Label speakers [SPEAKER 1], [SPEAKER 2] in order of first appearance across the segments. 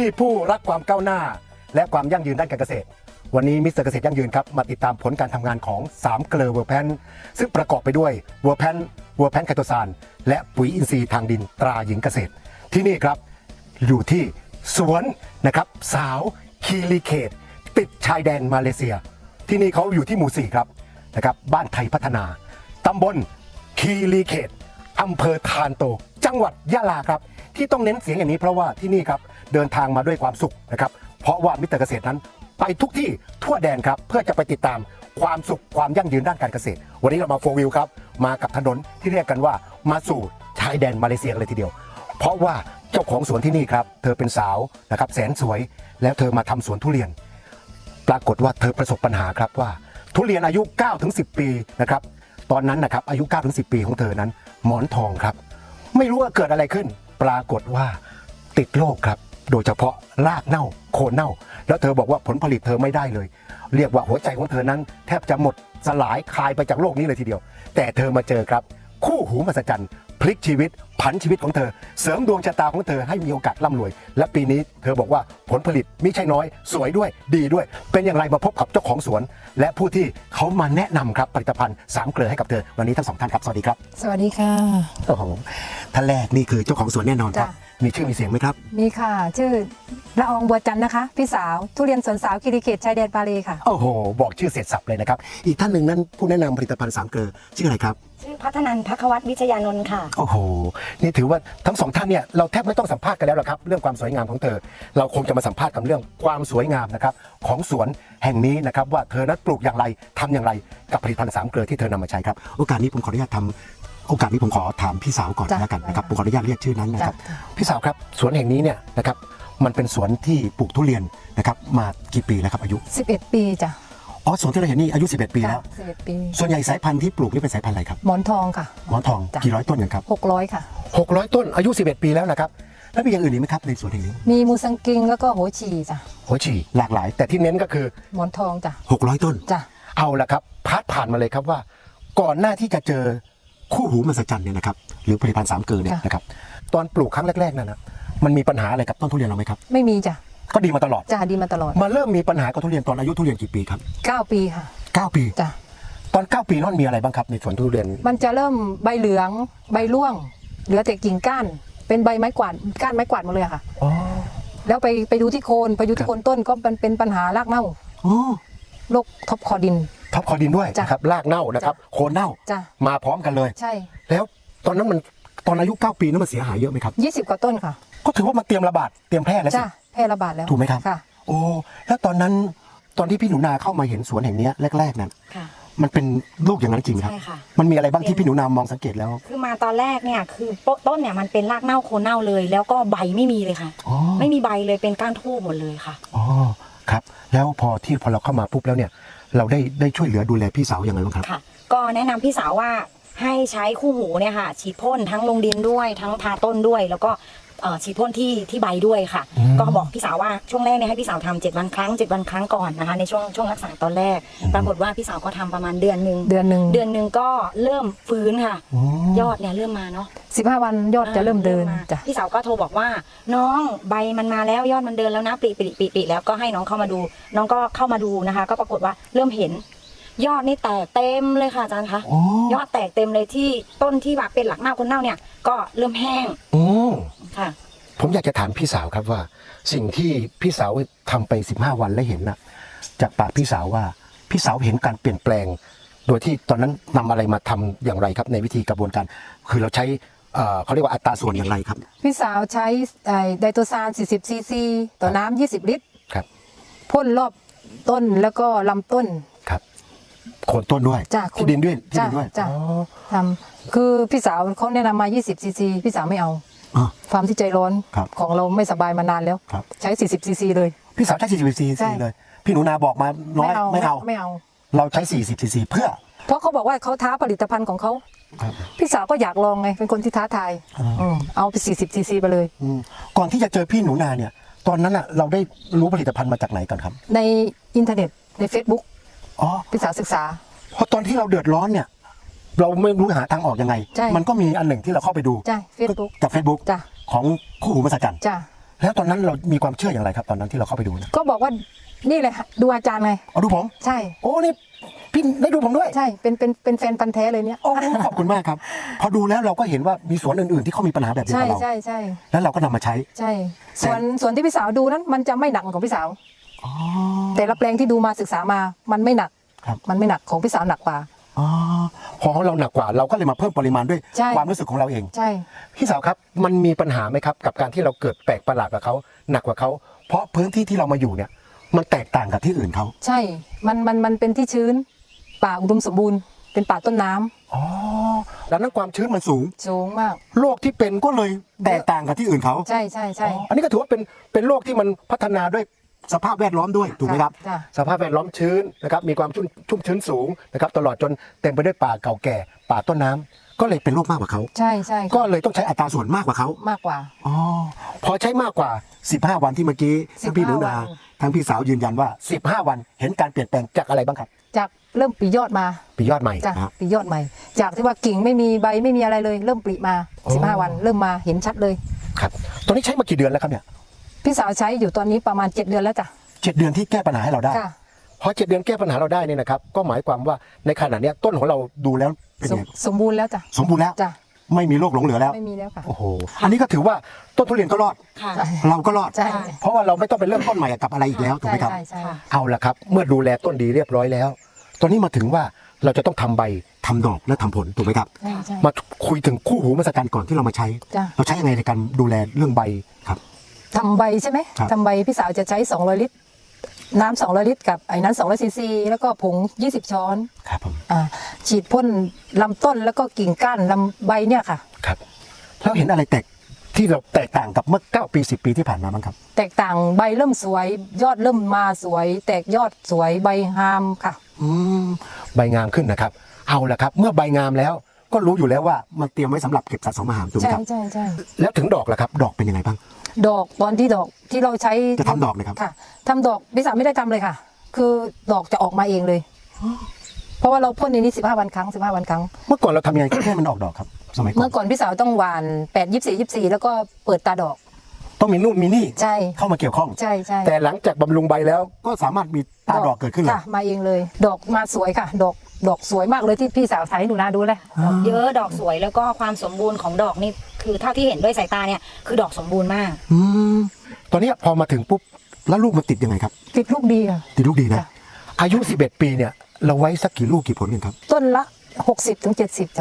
[SPEAKER 1] ผู้รักความก้าวหน้าและความยั่งยืนด้านการเกษตรวันนี้มิสเตอร์เกษตรยั่งยืนครับมาติดตามผลการทำงานของ3เกลือเวอร์แพนซึ่งประกอบไปด้วยเวอร์แพนไคโตซานและปุ๋ยอินทรีย์ทางดินตราหญิงเกษตรที่นี่ครับอยู่ที่สวนนะครับสาวคีรีเขตติดชายแดนมาเลเซียที่นี่เขาอยู่ที่หมู่4ครับนะครับบ้านไทยพัฒนาตำบลคีรีเขตอำเภอทานโตจังหวัดยะลาครับที่ต้องเน้นเสียงอย่างนี้เพราะว่าที่นี่ครับเดินทางมาด้วยความสุขนะครับเพราะว่ามิสเตอร์เกษตรนั้นไปทุกที่ทั่วแดนครับเพื่อจะไปติดตามความสุขความยั่งยืนด้านการเกษตรวันนี้เรามาโฟวิวครับมากับถนนที่เรียกกันว่ามาสู่ชายแดนมาเลเซียเลยทีเดียวเพราะว่าเจ้าของสวนที่นี่ครับเธอเป็นสาวนะครับแสนสวยแล้วเธอมาทำสวนทุเรียนปรากฏว่าเธอประสบปัญหาครับว่าทุเรียนอายุ 9-10 ปีนะครับตอนนั้นนะครับอายุ 9-10 ปีของเธอนั้นหมอนทองครับไม่รู้ว่าเกิดอะไรขึ้นปรากฏว่าติดโรคครับโดยเฉพาะรากเน่าโคนเน่าแล้วเธอบอกว่าผลผลิตเธอไม่ได้เลยเรียกว่าหัวใจของเธอนั้นแทบจะหมดสลายคลายไปจากโลกนี้เลยทีเดียวแต่เธอมาเจอครับคู่หูมหัศจรรย์พลิกชีวิตผันชีวิตของเธอเสริมดวงชะตาของเธอให้มีโอกาสร่ำรวยและปีนี้เธอบอกว่าผลผลิตไม่ใช่น้อยสวยด้วยดีด้วยเป็นอย่างไรมาพบกับเจ้าของสวนและผู้ที่เขามาแนะนำครับผลิตภัณฑ์3เกลือให้กับเธอวันนี้ทั้ง2ท่านครับสวัสดีครับ
[SPEAKER 2] สวัสดีค่ะ
[SPEAKER 1] โอ้โหท่านแรกนี่คือเจ้าของสวนแน่นอนครับมีชื่อมีเสียงไหมครับ
[SPEAKER 2] มีค่ะชื่อละอองบัวจันทร์นะคะพี่สาวทุเรียนสวนสาวคีรีเขตชายแดนปาเลค่ะ
[SPEAKER 1] โอ้โหบอกชื่อเสร็จสับเลยนะครับอีกท่านหนึ่งนั้นผู้แนะนำผลิตภัณฑ์3เกลือชื่ออะไรครับ
[SPEAKER 3] ชื่อพัฒนันท์ ภัควัฒน์ วิชยานนท์ค่ะ
[SPEAKER 1] โอ้โหนี่ถือว่าทั้ง2ท่านเนี่ยเราแทบไม่ต้องสัมภาษณ์กันแล้วหรอกครับเรื่องความสวยงามของเธอเราคงจะมาสัมภาษณ์กันเรื่องความสวยงามนะครับของสวนแห่งนี้นะครับว่าเธอนั้นปลูกอย่างไรทำอย่างไรกับผลิตภัณฑ์3เกลือที่เธอนำมาใช้ครับโอกาสนี้ผมขออนุญาตผมขอถามพี่สาวก่อนแล้วกันนะครับผมขออนุญาตเรียกชื่อนั้นนะครับพี่สาวครับสวนแห่งนี้เนี่ยนะครับมันเป็นสวนที่ปลูกทุเรียนนะครับมากี่ปีแล้วครับอายุ
[SPEAKER 2] 11 ปีจ้ะ
[SPEAKER 1] อ๋อสวนที่เราเห็นนี่อายุ11 ปีแล้ว
[SPEAKER 2] 11 ปี
[SPEAKER 1] ส่วนใหญ่สายพันธุ์ที่ปลูกนี่เป็นสายพันธุ์อะไรครับ
[SPEAKER 2] หมอนทองค่ะ
[SPEAKER 1] หมอนทองกี่ร้อยต้นกันครับ
[SPEAKER 2] 600ค่ะ
[SPEAKER 1] 600ต้นอายุ11 ปีแล้วนะครับแล้วมีอย่างอื่นอีกไหมครับในสวนแห่งนี้
[SPEAKER 2] มีมูสังกิงแล้วก็โหชีจ้ะ
[SPEAKER 1] โหชีหลากหลายแต่ที่เน้นก็คือ
[SPEAKER 2] หมอนทองจ้ะ
[SPEAKER 1] 600ต้น
[SPEAKER 2] จ้ะ
[SPEAKER 1] เอาละครับผ่านมาเลยครับว่าก่อนหน้าที่จะเจอคู่หูมหัศจรรย์เนี่ยนะครับหรือผลิตภัณฑ์3เกลือเนี่ยนะครับตอนปลูกครั้งแรกๆนั่นนะมันมีปัญหาอะไรกับต้นทุเรียนเราไหมครับ
[SPEAKER 2] ไม่มีจ้ะ
[SPEAKER 1] ก็ดีมาตลอด
[SPEAKER 2] จ้ะดีมาตลอด
[SPEAKER 1] มาเริ่มมีปัญหากับทุเรียนตอนอายุทุเรียนกี่ปีครับ
[SPEAKER 2] 9 ปีค่ะ
[SPEAKER 1] 9 ปี
[SPEAKER 2] จ้ะ
[SPEAKER 1] ตอน9 ปีนั่นมีอะไรบ้างครับในสวนทุเรียน
[SPEAKER 2] มันจะเริ่มใบเหลืองใบร่วงเหลือแต่กิ่งก้านเป็นใบไม้กวาดก้านไม้กวาดหมดเลยค่ะ
[SPEAKER 1] อ๋อ
[SPEAKER 2] แล้วไปดูที่โคนต้นก็เป็นปัญหารากเน่าโรคท็อปคอดิน
[SPEAKER 1] ด้วยนะครับรากเน่านะครับโคนเน่ามาพร้อมกันเลย
[SPEAKER 2] ใช่
[SPEAKER 1] แล้วตอนนั้นมันตอนอายุ9 ปีนั้นมันเสียหายเยอะไหมครับ
[SPEAKER 2] 20 กว่าต้นค่ะ
[SPEAKER 1] ก็ถือว่ามันเตรียมระบาดเตรียมแพร่แล้วสิ
[SPEAKER 2] แพร่ระบาดแล้ว
[SPEAKER 1] ถูกไหมครับ
[SPEAKER 2] ค่ะ
[SPEAKER 1] โอ้แล้วตอนนั้นตอนที่พี่หนูนาเข้ามาเห็นสวนแห่งนี้แรกๆนั้นมันเป็นลูกอย่างนั้นจริงครับมันมีอะไรบ้างที่พี่หนูนามองสังเกตแล้ว
[SPEAKER 3] คือมาตอนแรกเนี่ยคือต้นเนี่ยมันเป็นรากเน่าโคนเน่าเลยแล้วก็ใบไม่มีเลยค่ะไม่มีใบเลยเป็นก้านทูบหมดเลยค่ะ
[SPEAKER 1] อ๋อครับแล้วพอเราเข้ามาปุ๊บแล้วเนี่ยเราได้ช่วยเหลือดูแลพี่สาวอย่างไรบ้างครับ
[SPEAKER 3] ค่ะก็แนะนำพี่สาวว่าให้ใช้คู่หูเนี่ยค่ะฉีดพ่นทั้งลงดินด้วยทั้งทาต้นด้วยแล้วก็ฉีดพ่นที่ใบด้วยค่ะก็บอกพี่สาวว่าช่วงแรกเนี่ยให้พี่สาวทำ7 วันครั้งก่อนนะคะในช่วงรักษาตอนแรกปรากฏว่าพี่สาวก็ทำประมาณเดือนหนึ่งก็เริ่มฟื้นค่ะยอดเนี่ยเริ่มมาเนาะ
[SPEAKER 2] 15 วันยอดจะเริ่มเดินจ้ะ
[SPEAKER 3] พี่สาวก็โทรบอกว่าน้องใบมันมาแล้วยอดมันเดินแล้วนะปีแล้วก็ให้น้องเข้ามาดูน้องก็เข้ามาดูนะคะก็ปรากฏว่าเริ่มเห็นยอดนี่แตกเต็มเลยค่ะอาจารย์คะยอดแตกเต็มเลยที่ต้นที่แบบเป็นหลักเน่าคนเน่าเนี่ยก็เริ่มแห้งค่ะ
[SPEAKER 1] ผมอยากจะถามพี่สาวครับว่าสิ่งที่พี่สาวทำไป15 วันแล้วเห็นนะจากปากพี่สาวว่าพี่สาวเห็นการเปลี่ยนแปลงโดยที่ตอนนั้นนำอะไรมาทำอย่างไรครับในวิธีกระบวนการคือเราใช้เขาเรียกว่าอัตราส่วนอย่างไรครับ
[SPEAKER 2] พี่สาวใช้ไดโตซาน40 ซีซีต่อน้ำ20 ลิตร
[SPEAKER 1] ครับ
[SPEAKER 2] พ่นรอบต้นแล้วก็ลำต้น
[SPEAKER 1] ครับโคนต้นด้วยที่ดินด้วย
[SPEAKER 2] จ้ะทำคือพี่สาวเขาแนะนำมา20 ซีซีพี่สาวไม่เอาความที่ใจร้อนของเราไม่สบายมานานแล้วใช้40 ซีซีเลย
[SPEAKER 1] พี่สาวใช้40 ซีซีเลยพี่หนูนาบอกมาน้อยไม่เอาเราใช้40 ซีซีเพราะ
[SPEAKER 2] เขาบอกว่าเขาท้าผลิตภัณฑ์ของเขาพี่สาวก็อยากลองไงเป็นคนที่ท้าทายเอาไป40 ซีซีไปเลย
[SPEAKER 1] ก่อนที่จะเจอพี่หนูนาเนี่ยตอนนั้นอ่ะเราได้รู้ผลิตภัณฑ์มาจากไหนก่อนครับ
[SPEAKER 2] ในอินเทอร์เน็ตใน Facebook พี่สาวศึกษา
[SPEAKER 1] เพราะตอนที่เราเดือดร้อนเนี่ยเราไม่รู้หาทางออกยังไงมันก็มีอันหนึ่งที่เราเข้าไปดู
[SPEAKER 2] เฟซบุ๊ก
[SPEAKER 1] จาก Facebook ของคู่หูมหัศจรรย์แล้วตอนนั้นเรามีความเชื่ออย่างไรครับตอนนั้นที่เราเข้าไปดูนะ
[SPEAKER 2] ก็บอกว่านี่เลยค่ะดูอาจารย์ไง
[SPEAKER 1] เอาดูผม
[SPEAKER 2] ใช่
[SPEAKER 1] โอ้นี่พี่ได้ดูผมด้วย
[SPEAKER 2] ใช่เป็นแฟนพันธ์แท้เลยเนี่ย
[SPEAKER 1] โอ้ขอบคุณมากครับพอดูแล้วเราก็เห็นว่ามีสวนอื่นๆที่เขามีปัญหาแบบเดียว
[SPEAKER 2] ใช่
[SPEAKER 1] กับเรา
[SPEAKER 2] ใช่ใช่
[SPEAKER 1] แล้วเราก็นำมาใช้
[SPEAKER 2] ใช่ส่วนที่พี่สาวดูนั้นมันจะไม่หนักของพี่สาว
[SPEAKER 1] อ๋อ
[SPEAKER 2] แต่ละแปลงที่ดูมาศึกษามามันไม่หนัก
[SPEAKER 1] ครับ
[SPEAKER 2] มันไม่หนักของพี่สาวหนักกว่า
[SPEAKER 1] อ๋อพอเราหนักกว่าเราก็เลยมาเพิ่มปริมาณด้วย
[SPEAKER 2] ใช่
[SPEAKER 1] ความรู้สึกของเราเอง
[SPEAKER 2] ใช่
[SPEAKER 1] พี่สาวครับมันมีปัญหาไหมครับกับการที่เราเกิดแปลกประหลาดกับเขาหนักกว่าเขาเพราะพื้นที่ที่เรามาอยู่เนี่ยมันแตกต่างกับที่อื่นเขา
[SPEAKER 2] ใช่มันเป็นที่ชื้นป่าอุดมสมบูรณ์เป็นป่าต้นน้ำ
[SPEAKER 1] อ๋อดังนั้นความชื้นมันสูง
[SPEAKER 2] สูงมาก
[SPEAKER 1] โรคที่เป็นก็เลยแตกต่างกับที่อื่นเขา
[SPEAKER 2] ใช่ใช่ใช่
[SPEAKER 1] อันนี้ก็ถือว่าเป็นโรคที่มันพัฒนาด้วยสภาพแวดล้อมด้วยถูกไหมครับ
[SPEAKER 2] จ้ะ
[SPEAKER 1] สภาพแวดล้อมชื้นนะครับมีความชุ่มชื้นสูงนะครับตลอดจนเต็มไปด้วยป่าเก่าแก่ป่าต้นน้ำก็เลยเป็นโรคมากกว่าเขา
[SPEAKER 2] ใช่ใช่
[SPEAKER 1] ก็เลยต้องใช้อัตราส่วนมากกว่าเขา
[SPEAKER 2] มากกว่า
[SPEAKER 1] อ๋อพอใช้มากกว่า 15 วันที่เมื่อกี้ทั้งพี่หนูนา
[SPEAKER 2] วัน
[SPEAKER 1] ทั้งพี่สาวยืนยันว่า 15 วันเห็นการเปลี่ยนแปลงจากอะไรบ้างครับ
[SPEAKER 2] จากเริ่มปลียอดมา
[SPEAKER 1] ปียอดใหม่
[SPEAKER 2] จ้ะ
[SPEAKER 1] นะฮะ
[SPEAKER 2] ปลียอดใหม่ จากที่ว่ากิ่งไม่มีใบไม่มีอะไรเลย เริ่มปลีมา
[SPEAKER 1] อ๋อ
[SPEAKER 2] 15 วันเริ่มมาเห็นชัดเลย
[SPEAKER 1] ครับตอนนี้ใช้มากี่เดือนแล้วครับเนี่ย
[SPEAKER 2] พี่สาวใช้อยู่ตอนนี้ประมาณ 7 เดือนแล้วจ้ะ
[SPEAKER 1] 7 เดือนที่แก้ปัญหาให้เราได้
[SPEAKER 2] ค่ะ
[SPEAKER 1] พอ7 เดือนแก้ปัญหาเราได้เนี่ยนะครับก็หมายความว่าในขณะเนี้ยต้นของเราดูแล้วเป็น
[SPEAKER 2] ส
[SPEAKER 1] ไง
[SPEAKER 2] มสมบูรณ์แล้วจ้ะ
[SPEAKER 1] สมบูรณ์แล้ว
[SPEAKER 2] จ้ะ
[SPEAKER 1] ไม่มีโรคหลงเหลือแล้ว
[SPEAKER 2] ไม่มีแล้วค่ะ
[SPEAKER 1] โอ้โหอันนี้ก็ถือว่าต้นทุเรียนก็รอด
[SPEAKER 3] ค่ะ
[SPEAKER 1] เราก็รอด
[SPEAKER 2] ใช่
[SPEAKER 1] เพราะว่าเราไม่ต้องไปเริ่มต้นใหม่กับอะไรอีกแล้วถูกไหมครับ
[SPEAKER 2] ใช่ใช่
[SPEAKER 3] ค่ะ
[SPEAKER 1] เอาละครับเมื่อดูแลต้นดีเรียบร้อยแล้ว ตอนนี้มาถึงว่าเราจะต้องทำใบทำดอกและทำผลถูกไหมครับ
[SPEAKER 2] ใช่ใช่
[SPEAKER 1] มาคุยถึงคู่หูมหัศจรรย์ก่อนที่เรามาใช้
[SPEAKER 2] จ้ะ
[SPEAKER 1] เราใช้ยังไงในการดูแลเรื่องใบครับ
[SPEAKER 2] ทำใบใช่ไหม
[SPEAKER 1] ครับ
[SPEAKER 2] ทำใบพี่สาวจะใช้200 ลิตร น้ำ200 ลิตรกับไอ้นั้น200 ซีซี แล้วก็ผง 20 ช้อน
[SPEAKER 1] ครับผม
[SPEAKER 2] ฉีดพ่นลำต้นแล้วก็กิ่งก้านลำใบเนี่ยค่ะ
[SPEAKER 1] ครับแล้วเห็นอะไรที่เราแตกต่างกับเมื่อ9 ปี 10 ปีที่ผ่านมาบ้างครับ
[SPEAKER 2] แตกต่างใบเริ่มสวย ยอดเริ่มมาสวย แตกยอดสวยใบงามค่ะ
[SPEAKER 1] ใบงามขึ้นนะครับเอาละครับเมื่อใบงามแล้วก็รู้อยู่แล้วว่ามันเตรียมไว้สำหรับเก็บสะสมอาหารถูกไหม
[SPEAKER 2] ใช่
[SPEAKER 1] ครับ
[SPEAKER 2] ใช่ใช่
[SPEAKER 1] แล้วถึงดอกล่ะครับดอกเป็นยังไงบ้าง
[SPEAKER 2] ดอกตอนที่ดอกที่เราใช้
[SPEAKER 1] จะทำดอกเลยครับ
[SPEAKER 2] ค่ะทำดอกพี่สาวไม่ได้ทำเลยค่ะ คือดอกจะออกมาเองเลย เพราะว่าเราพ่นในนี้15 วันครั้ง15 วันครั้ง
[SPEAKER 1] เมื่อก่อนเราทำยังไงให้มันออกดอกครับสมัยก่อ
[SPEAKER 2] เมื่
[SPEAKER 1] น
[SPEAKER 2] อก่อนพี่สาวต้องหวาน8 24 24 แล้วก็เปิดตาดอก
[SPEAKER 1] ต้องมีนู่นมีนี่
[SPEAKER 2] ใช่
[SPEAKER 1] เข้ามาเกี่ยวข้อง
[SPEAKER 2] ใช่ใช่
[SPEAKER 1] แต่หลังจากบำรุงใบแล้วก็สามารถมีตาดอกเกิดขึ้นเลย
[SPEAKER 2] ค่ะมาเองเลย ดอกมาสวยค่ะ ดอกสวยมากเลยที่พี่สาวถ่ายให้หนูนาดูเลย
[SPEAKER 3] ดอกเยอะดอกสวยแล้วก็ความสมบูรณ์ของดอกนี่คือเท่าที่เห็นด้วยสายตาเนี่ยคือดอกสมบูรณ์มาก
[SPEAKER 1] ตอนนี้พอมาถึงปุ๊บแล้วลูกมันติดยังไงครับ
[SPEAKER 2] ติดลูกดีค่ะ
[SPEAKER 1] ติดลูกดีนะ
[SPEAKER 2] ค่ะ
[SPEAKER 1] อายุ 11 ปีเนี่ยเราไว้สักกี่ลูกกี่ผลกันครับ
[SPEAKER 2] ต้นละ 60 ถึง 70จ้ะ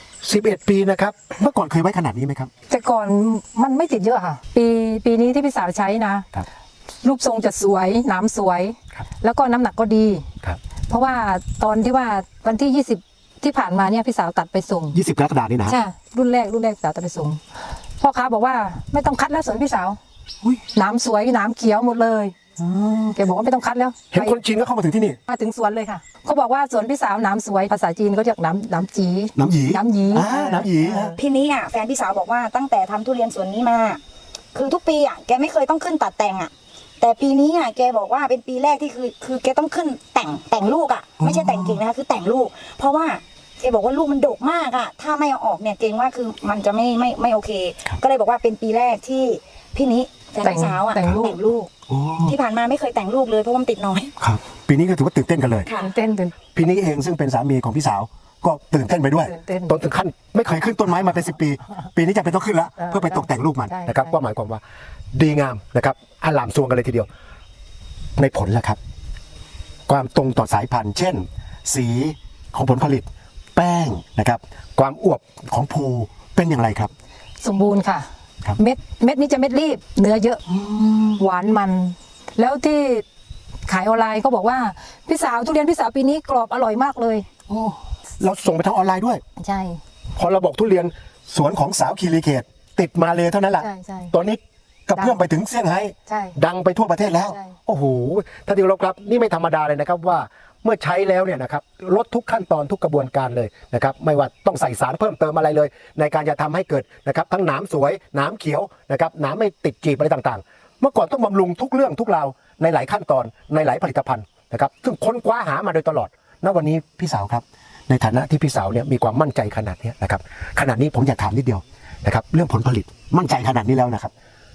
[SPEAKER 1] 11 ปีนะครับเมื่อก่อนเคยไว้ขนาดนี้ไหมครับ
[SPEAKER 2] แต่ก่อนมันไม่ติดเยอะค่ะ ปีนี้ที่พี่สาวใช้นะ
[SPEAKER 1] ครับ
[SPEAKER 2] รูปทรงจะสวยหนามสวย
[SPEAKER 1] ครับ
[SPEAKER 2] แล้วก็น้ำหนักก็ดี
[SPEAKER 1] ครับ
[SPEAKER 2] เพราะว่าตอนที่ว่าวันที่ 20 ที่ผ่านมาเนี่ยพี่สาวตัดไปส่ง
[SPEAKER 1] 20 กรกฎาคมนี่นะ
[SPEAKER 2] ใช่รุ่นแรกพี่สาวตัดไปส่งพ่อค้าบอกว่าไม่ต้องคัดแล้วสวนพี่สาว
[SPEAKER 1] อุ๊ย
[SPEAKER 2] หนามสวยหนามเขียวหมดเลยแกบอกว่าไม่ต้องคัดแล้ว
[SPEAKER 1] เห็นคนจีนก็เข้ามาถึงที่นี่
[SPEAKER 2] มาถึงสวนเลยค่ะเขาบอกว่าสวนพี่สาวหนามสวยภาษาจีนเขาเรียกหนามจี
[SPEAKER 1] น้ำหยี
[SPEAKER 2] น้ำหยี
[SPEAKER 1] น้ำหยี
[SPEAKER 3] พี่นี้อ่ะแฟนพี่สาวบอกว่าตั้งแต่ทำทุเรียนสวนนี้มา คือทุกปีอ่ะแกไม่เคยต้องขึ้นตัดแต่งอ่ะแต่ปีนี้อ่ะแกบอกว่าเป็นปีแรกที่คือแกต้องขึ้นแต่งลูกอ่ะไม่ใช่แต่งกิ่งนะคะคือแต่งลูก เพราะว่าแกบอกว่าลูกมันดกมากอ่ะถ้าไม่เอาออกเนี่ยเกรงว่าคือมันจะไม่โอเค ก็เลยบอกว่าเป็นปีแรกที่พี่นี้แฟนพี่สาวอ่ะแต่งลูก
[SPEAKER 1] โอ้
[SPEAKER 3] ที่ผ่านมาไม่เคยแต่งลูกเลยเพราะว่ามันติดน้อย
[SPEAKER 1] ครับปีนี้ก็ถือว่าตื่นเต้นกันเลย
[SPEAKER 3] ค่ะ
[SPEAKER 2] ตื่นเต้นตื่น
[SPEAKER 1] พี่นี้เองซึ่งเป็นสามีของพี่สาวก็ตื่นเต้นไปด้วย
[SPEAKER 2] ตื่นเต้น
[SPEAKER 1] ต้นถึงขั้นไม่เคยขึ้นต้นไม้มาเป็น10 ปี ปีนี้จะเป็นต้องขึ้นแล้ว เพื่อไปตกแต่งลูกมัน
[SPEAKER 2] ใช่
[SPEAKER 1] นะครับ
[SPEAKER 2] ใช่
[SPEAKER 1] ก็หมายความว่าดีงามนะครับอลามซวงกันเลยทีเดียว ในผลแล้วครับ ความตรงต่อสายพันธุ์ เช่น สีของผลผลิต แป้งนะครับ ความอวบของภูเป็นอย่างไรครับ
[SPEAKER 2] สมบูรณ์ค่ะ
[SPEAKER 1] ครับ
[SPEAKER 2] เม็ดนี้จะเม็ดรีบเนื้อเยอะหวานมัน แล้วที่ขายออนไลน์ก็บอกว่าพี่สาวทุเรียนพี่สาวปีนี้กรอบอร่อยมากเลย
[SPEAKER 1] เราส่งไปทางออนไลน์ด้วย
[SPEAKER 2] ใช่
[SPEAKER 1] พอเราบอกทุเรียนสวนของสาวคีรีเขตติดมาเลยเท่านั้นแหละ
[SPEAKER 2] ใช่ใช่
[SPEAKER 1] ตอนนี้กระเพื่อมไปถึงเซี่ยงไฮ้
[SPEAKER 2] ใช่
[SPEAKER 1] ดังไปทั่วประเทศแล้ว
[SPEAKER 2] ใช่
[SPEAKER 1] โอ้โหท่านที่เคารพครับนี่ไม่ธรรมดาเลยนะครับว่าเมื่อใช้แล้วเนี่ยนะครับลดทุกขั้นตอนทุกกระบวนการเลยนะครับไม่ว่าต้องใส่สารเพิ่มเติมอะไรเลย ในการจะทำให้เกิดนะครับทั้งหนามสวยหนามเขียวนะครับหนามไม่ติดจีบอะไรต่างๆ เมื่อก่อนต้องบำรุงทุกเรื่องทุกราวในหลายขั้นตอนในหลายผลิตภัณฑ์นะครับซึ่งค้นคว้าหามาโดยตลอดณวันนี้พี่สาวครับในฐานะที่พี่สาวเนี่ยมีความมั่นใจขนาดนี้นะครับขนาดนี้ผมอยากถามนิดเดียวนะครับเรื่องผลผลิตมั่นใจขนาดนี้แล้วนะครับ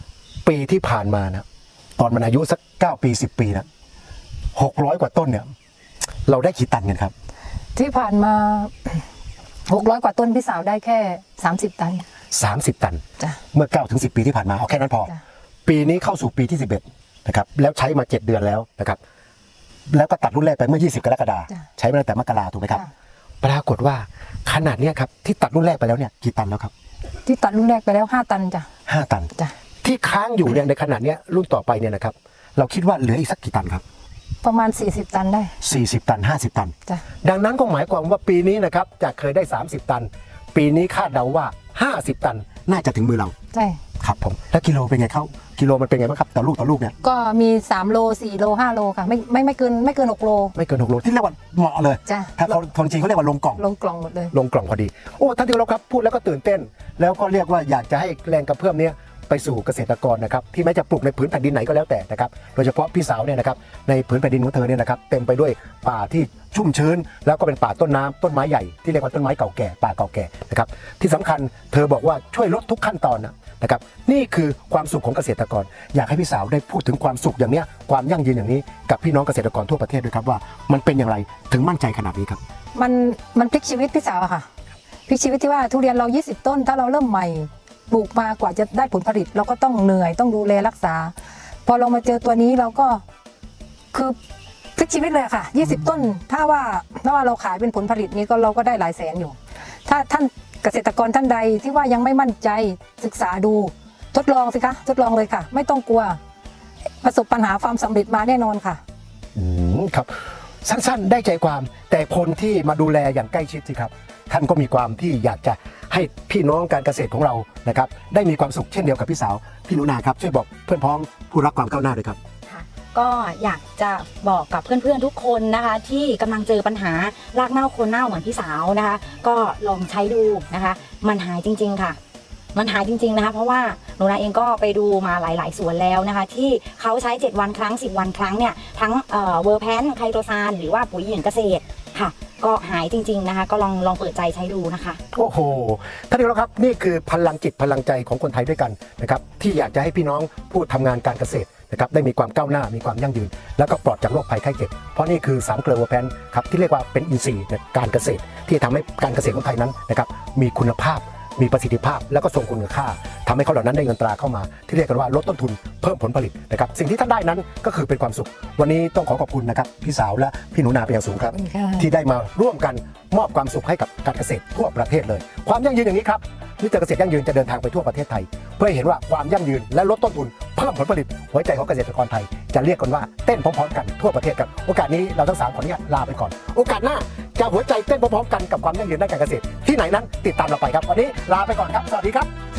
[SPEAKER 1] ปีที่ผ่านมานะตอนมันอายุสัก9 ปี10 ปีนะ600 กว่าต้นเนี่ยเราได้กี่ตันกันครับ
[SPEAKER 2] ที่ผ่านมา600 กว่าต้นพี่สาวได้แค่30 ตัน
[SPEAKER 1] 30 ตัน
[SPEAKER 2] จ้ะ
[SPEAKER 1] เมื่อ9 ถึง 10 ปีที่ผ่านมาเอาแค่นั้นพอ
[SPEAKER 2] จ้ะ
[SPEAKER 1] ปีนี้เข้าสู่ปีที่11นะครับแล้วใช้มา7 เดือนแล้วนะครับแล้วก็ตัดรุ่นแรกไปเมื่อ20 กรกฎาคม
[SPEAKER 2] จ้ะ
[SPEAKER 1] ใช้มาตั้งแต่มกราถูกไหมครับ
[SPEAKER 2] จ้ะ
[SPEAKER 1] ปรากฏว่าขนาดเนี้ยครับที่ตัดรุ่นแรกไปแล้วเนี่ยกี่ตันแล้วครับ
[SPEAKER 2] ที่ตัดรุ่นแรกไปแล้ว5 ตันจ้ะ
[SPEAKER 1] 5 ตัน
[SPEAKER 2] จ้ะ
[SPEAKER 1] ที่ค้างอยู่เนี่ยในขนาดเนี้ยรุ่นต่อไปเนี่ยนะครับเราคิดว่าเหลืออีกสักกี่ตันครับ
[SPEAKER 2] ประมาณ40 ตันได้
[SPEAKER 1] 40 ตัน 50 ตัน
[SPEAKER 2] จ้ะ
[SPEAKER 1] ดังนั้นก็หมายความว่าปีนี้นะครับจากเคยได้30 ตัน ปีนี้คาดเดาว่า50 ตันน่าจะถึงมือเรา
[SPEAKER 2] ใช่
[SPEAKER 1] ครับผมแล้วกิโลเป็นไงเข้ากิโลมันเป็นไงบ้างครับต่อลูกเนี่ย
[SPEAKER 2] ก็มี3 โล 4 โล 5 โลค่ะไม่เกิน6 โล
[SPEAKER 1] ไม่เกิน6 โลที่เรียกว่าเหมาะเลย
[SPEAKER 2] จ้ะ
[SPEAKER 1] ถ้าคนจีนเขาเรียกว่าลงกล่อง
[SPEAKER 2] ลงกล่องหมดเลย
[SPEAKER 1] ลงกล่องพอดีโอ้ท่านที่เคารพครับพูดแล้วก็ตื่นเต้น แล้วก็เรียกว่าอยากจะให้แรงกระเพื่อมเนี้ยไปสู่เกษตรกรนะครับที่แม้จะปลูกในผืนแผ่นดินไหนก็แล้วแต่นะครับโดยเฉพาะพี่สาวเนี่ยนะครับในผืนแผ่นดินของเธอเนี่ยนะครับเต็มไปด้วยป่าที่ชุ่มชื้น แล้วก็เป็นป่าต้นน้ำต้นไม้ใหญ่ที่เรียกว่าต้นไม้เก่าแก่ป่าเก่าแก่นะครับที่สำคัญเธอบอกว่าช่วยลดทุกขั้นตอนนะครับนี่คือความสุขของเกษตรกรอยากให้พี่สาวได้พูดถึงความสุขอย่างเนี้ยความยั่งยืนอย่างนี้กับพี่น้องเกษตรกรทั่วประเทศด้วยครับว่ามันเป็นอย่างไรถึงมั่นใจขนาดนี้ครับ
[SPEAKER 2] มันพลิกชีวิตพี่สาวอะค่ะพลิกชีวิตที่ว่าทุเรียนเรา20 ต้น ถ้าเราเริ่มใหม่ปลูกมากว่าจะได้ผลผลิตเราก็ต้องเหนื่อยต้องดูแลรักษา พอเรามาเจอตัวนี้เราก็คือพลิกชีวิตเลยค่ะ20 ต้นถ้าว่าเราขายเป็นผลผลิตนี้ก็เราก็ได้หลายแสนอยู่ ถ้าท่านเกษตรกรท่านใดที่ว่ายังไม่มั่นใจศึกษาดูทดลองสิคะทดลองเลยค่ะ ไม่ต้องกลัวประสบปัญหาความสำเร็จมาแน่นอนค่ะ
[SPEAKER 1] ครับสั้นๆได้ใจความแต่คนที่มาดูแลอย่างใกล้ชิดสิครับท่านก็มีความที่อยากจะให้พี่น้องการเกษตรของเรานะครับได้มีความสุขเช่นเดียวกับพี่สาวพี่หนูนาครับช่วยบอกเพื่อนพ้องผู้รักความก้าวหน้าด้วยครับ
[SPEAKER 3] ค่ะก็อยากจะบอกกับเพื่อนๆทุกคนนะคะที่กำลังเจอปัญหารากเน่าโคนเน่าเหมือนพี่สาวนะคะก็ลองใช้ดูนะคะมันหายจริงๆค่ะ มันหายจริงๆนะคะเพราะว่าหนูนาเองก็ไปดูมาหลายๆสวนแล้วนะคะที่เขาใช้7 วันครั้ง10 วันครั้งเนี่ยทั้งเวอร์แพนไคโตซานหรือว่าปุ๋ยหญิงเกษตรค่ะก็หายจริงๆนะคะก็ลองเปิดใจใช้ดูนะคะ
[SPEAKER 1] โอ้โหท่านผู้ชมครับนี่คือพลังจิตพลังใจของคนไทยด้วยกันนะครับที่อยากจะให้พี่น้องผู้ทำงานการเกษตรนะครับได้มีความก้าวหน้ามีความยั่งยืนแล้วก็ปลอดจากโรคภัยไข้เจ็บเพราะนี่คือ3 เกลือเวอร์แพนครับที่เรียกว่าเป็นอินทรีย์ในการเกษตรที่ทำให้การเกษตรของไทยนั้นนะครับมีคุณภาพมีประสิทธิภาพแล้วก็ทรงคุณค่าทำให้เขาเหล่านั้นได้เงินตราเข้ามาที่เรียกกันว่าลดต้นทุนเพิ่มผลผลิตนะครับสิ่งที่ท่านได้นั้นก็คือเป็นความสุขวันนี้ต้องขอบคุณนะครับพี่สาวและพี่หนูนาเป็นอย่างสูงครับ
[SPEAKER 2] ขอบคุณค่ะ
[SPEAKER 1] ที่ได้มาร่วมกันมอบความสุขให้กับการเกษตรทั่วประเทศเลยความยั่งยืนอย่างนี้ครับมิสเตอร์เกษตรยั่งยืนจะเดินทางไปทั่วประเทศไทยเพื่อให้เห็นว่าความยั่งยืนและลดต้นทุนเพิ่มผลผลิตหัวใจของเกษตรกรไทยจะเรียกกันว่าเต้นพร้อมๆกันทั่วประเทศครับโอกาสนี้เราทั้ง3ขออนุญาตลาไปก่อนโอกาสหน้าจะหัวใจเต้นพร้อมๆกันกับความยั่งยืนด้านการเกษตรที่ไหนนั้นติดตามเราไปครับวันนี้ลาไปก่อนครับสวัสดีครับ